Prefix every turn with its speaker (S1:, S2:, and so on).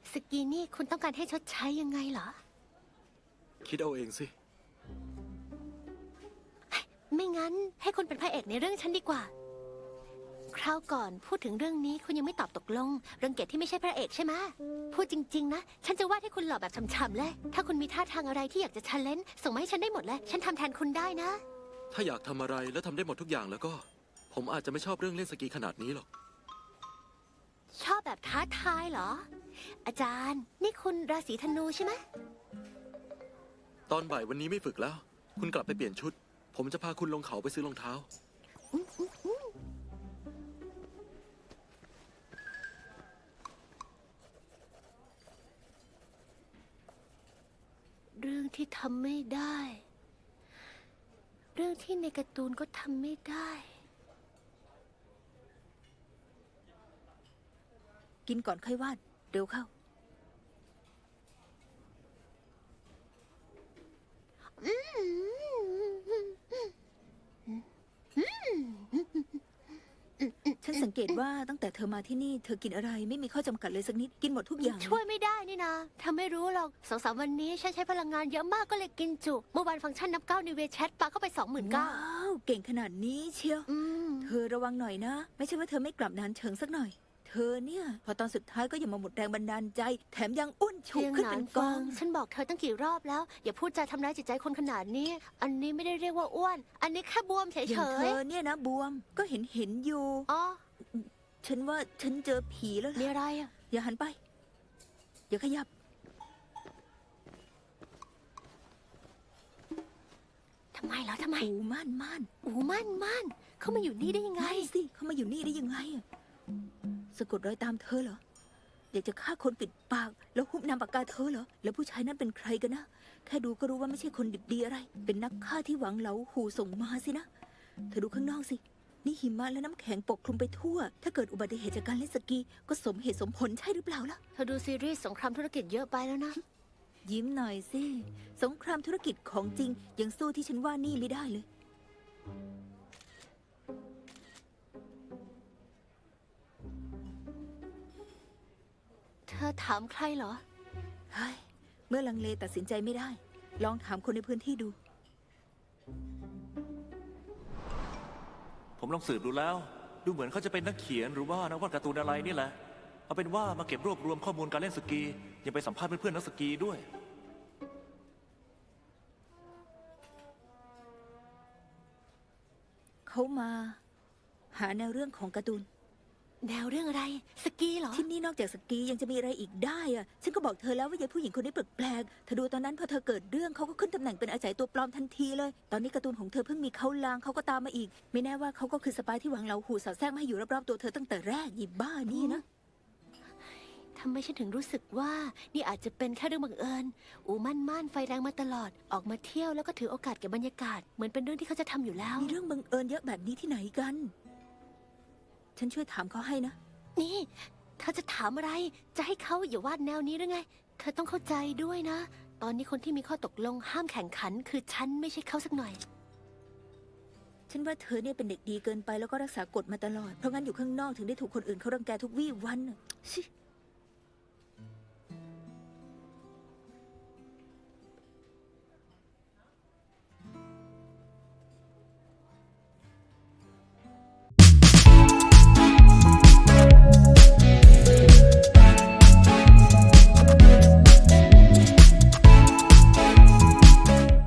S1: สกีนี่คุณต้องการให้ชดใช้ยังไงเหรอ
S2: คิดเอาเองสิ
S1: ไม่งั้นให้คุณเป็นพระเอกในเรื่องฉันดีกว่า คราวก่อนพูดถึงเรื่องนี้คุณยังไม่ตอบตกลงเรื่องเกตที่ไม่ใช่พระเอกใช่ไหมพูดจริงๆนะฉันจะวาดให้คุณหล่อแบบฉ่ำๆเลยถ้าคุณมีท่าทางอะไรที่อยากจะชันเลนส่งมาให้ฉันได้หมดเลยฉันทำแทนคุณได้นะ
S2: ถ้าอยากทำอะไรแล้วทำได้หมดทุกอย่างแล้วก็ ผมอาจจะไม่ชอบเรื่องเล่นสกีขนาดนี้หรอก
S1: ชอบแบบท้าทายเหรอ อาจารย์นี่คุณราศีธนูใช่ไหม
S2: ตอนบ่ายวันนี้ไม่ฝึกแล้ว คุณกลับไปเปลี่ยนชุด ผมจะพาคุณลงเขาไปซื้อรองเท้า
S1: เรื่องที่ทำไม่ได้ เรื่องที่ในการ์ตูนก็ทำไม่ได้
S3: กินก่อนค่อยวาดเร็วเข้า ฉันสังเกตว่าตั้งแต่เธอมาที่นี่เธอกินอะไรไม่มีข้อจำกัดเลยสักนิดกินหมดทุกอย่าง
S1: ช่วยไม่ได้นี่นะทำไม่รู้หรอก2-3 วันนี้ฉันใช้พลังงานเยอะมากก็เลยกินจุเมื่อวานฟังก์ชันนับเก้าในเวแชทปาเข้าไป 29,000
S3: ว้าวเก่งขนาดนี้เชียว เธอระวังหน่อยนะ ไม่ใช่ว่าเธอไม่กลับนานเชิงสักหน่อย เธอเนี่ยพอตอนสุดท้ายก็อย่ามาหมดแรงบันดาลใจ แถมยังอ้วนฉุก
S1: เพียง
S3: ขึ้น
S1: หนา
S3: เป็น นก
S1: ฟั
S3: อง ง
S1: ฉันบอกเธอตั้งกี่รอบแล้ว อย่าพูดจาทำร้ายจิตใจคนขนาดนี้ อันนี้ไม่ได้เรียกว่าอ้วน อันนี้แค่บวมเฉ
S3: อย่างเธ
S1: ย
S3: อเนี่ยนะบวมก็เห็นอยู่
S1: ๆอ๋อ
S3: ฉันว่าฉันเจอผีแล้ว
S1: มี
S3: ล่ะ
S1: อะไรอ่ะ
S3: อย่าหันไป อย่าขยับ
S1: ทำไมเหรอทำไม
S3: อูม่าน
S1: มั่นเขามาอยู่นี่ได้ยังไง
S3: ไม่สิเขามาอยู่นี่ได้ยังไงอะสะกดรอยตามเธอเหรออยากจะฆ่าคนปิดปาก แล้วหุบนามปากกาเธอเหรอแล้วผู้ชายนั้นเป็นใครกันนะแค่ดูก็รู้ว่าไม่ใช่คนดิบดีอะไร เป็นนักฆ่าที่หวังเหลาหูส่งมาสินะเธอดูข้างนอกสินี่หิมะและน้ำแข็งปกคลุมไปทั่ว ถ้าเกิดอุบัติเหตุจากการเล่นสกีก็สมเหตุสมผลใช่หรือเปล่าล่ะ
S1: เธอดูซีรีส์สงครามธุรกิจเยอะไปแล้วนะ
S3: ยิ้มหน่อยสิสงครามธุรกิจของจริงยังสู้ที่ฉันว่านี่ไม่ได้เลย
S1: เธอถามใครเหรอ
S3: เฮ้ยเมื่อลังเลตัดสินใจไม่ได้ ลองถามคนในพื้นที่ดู
S4: ผมลองสืบดูแล้ว ดูเหมือนเขาจะเป็นนักเขียนหรือว่านักวาดการ์ตูนอะไรนี่แหละ เอาเป็นว่ามาเก็บรวบรวมข้อมูลการเล่นสกี ยังไปสัมภาษณ์เพื่อนๆนักสกีด้วย
S3: เขามาหาแนวเรื่องของการ์ตูน
S1: แนวเรื่องอะไร สกีเหรอ
S3: ที่นี่นอกจากสกียังจะมีอะไรอีกได้อะฉันก็บอกเธอแล้วว่ายายผู้หญิงคนนี้แปลกๆเธอดูตอนนั้นพอเธอเกิดเรื่องเขาก็ขึ้นตำแหน่งเป็นอาจารย์ตัวปลอมทันทีเลย ตอนนี้การ์ตูนของเธอเพิ่งมีเขาลางเขาก็ตามมาอีก ไม่แน่ว่าเขาก็คือสปายที่หวังเหลาหูสอดแทรกมาให้อยู่รอบๆตัวเธอตั้งแต่แรกยีบ้านี่นะ
S1: ทำไมฉันถึงรู้สึกว่า นี่อาจจะเป็นแค่เรื่องบังเอิญ มั่นไฟแรงมาตลอด ออกมาเที่ยวแล้วก็ถือโอกาสเก็บบรรยากาศ เหมือนเป็นเรื่องที่เขาจะทำอยู่แล้ว
S3: มีเรื่องบังเอิญเยอะแบบนี้ที่ไหนกัน ฉันช่วยถามเขาให้นะ
S1: นี่เธอจะถามอะไร จะให้เขาอย่าวาดแนวนี้หรือไง เธอต้องเข้าใจด้วยนะ ตอนนี้คนที่มีข้อตกลงห้ามแข่งขัน คือฉันไม่ใช่เขาสักหน่อย
S3: ฉันว่าเธอเนี่ยเป็นเด็กดีเกินไปแล้วก็รักษากฎมาตลอด เพราะงั้นอยู่ข้างนอกถึงได้ถูกคนอื่นเขารังแกทุกวี่วันน่ะชิ